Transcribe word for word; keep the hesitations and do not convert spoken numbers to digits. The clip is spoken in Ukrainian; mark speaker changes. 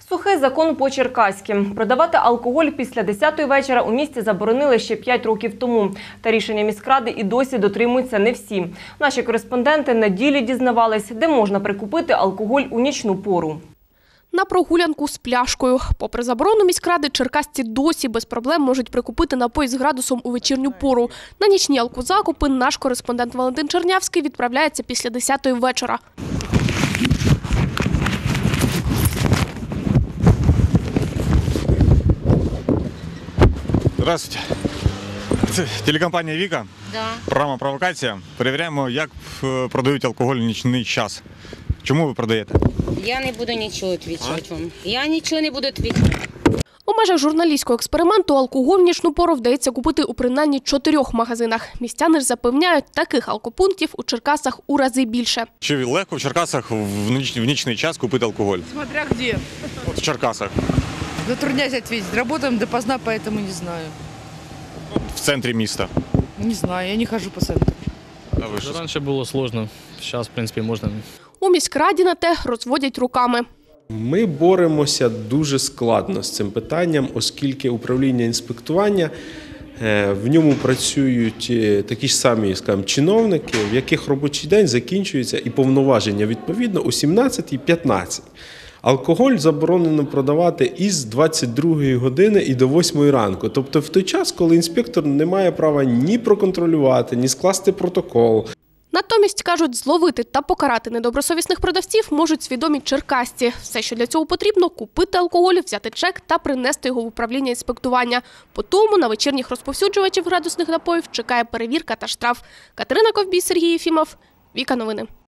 Speaker 1: Сухий закон по-черкаськи. Продавати алкоголь після десятої вечора у місті заборонили ще п'ять років тому. Та рішення міськради і досі дотримуються не всі. Наші кореспонденти на ділі дізнавались, де можна прикупити алкоголь у нічну пору.
Speaker 2: На прогулянку з пляшкою. Попри заборону міськради, черкасці досі без проблем можуть прикупити напій з градусом у вечірню пору. На нічні алкозакупи наш кореспондент Валентин Чернявський відправляється після десятої вечора.
Speaker 3: Здравствуйте. Це телекомпанія «Віка».
Speaker 4: Да.
Speaker 3: Програма «Провокація». Перевіряємо, як продають алкоголь в нічний час. Чому ви продаєте?
Speaker 4: Я не буду нічого відповідати вам. Я нічого не буду відповідати.
Speaker 2: У межах журналістського експерименту алкоголь в нічну пору вдається купити у принаймні чотирьох магазинах. Містяни ж запевняють, таких алкопунктів у Черкасах у рази більше.
Speaker 3: Чи легко в Черкасах в, ніч, в нічний час купити алкоголь?
Speaker 5: Смотря где.
Speaker 3: От в Черкасах.
Speaker 5: Затрудняюсь ответить. Работаем допоздна, поэтому не знаю.
Speaker 3: В центрі міста.
Speaker 5: Не знаю, я не хожу по центру.
Speaker 3: А ви що?
Speaker 6: Раньше было сложно, сейчас, в принципе, можно.
Speaker 2: У міськраді на те розводять руками.
Speaker 7: Ми боремося дуже складно з цим питанням, оскільки управління інспектування, в ньому працюють такі ж самі, скажімо, чиновники, в яких робочий день закінчується і повноваження відповідно о сімнадцятій п'ятнадцять. Алкоголь заборонено продавати із двадцять другої години і до восьмої ранку. Тобто в той час, коли інспектор не має права ні проконтролювати, ні скласти протокол.
Speaker 2: Натомість, кажуть, зловити та покарати недобросовісних продавців можуть свідомі черкасці. Все, що для цього потрібно – купити алкоголь, взяти чек та принести його в управління інспектування. По тому на вечірніх розповсюджувачів градусних напоїв чекає перевірка та штраф. Катерина Ковбій, Сергій Єфімов, Віка Новини.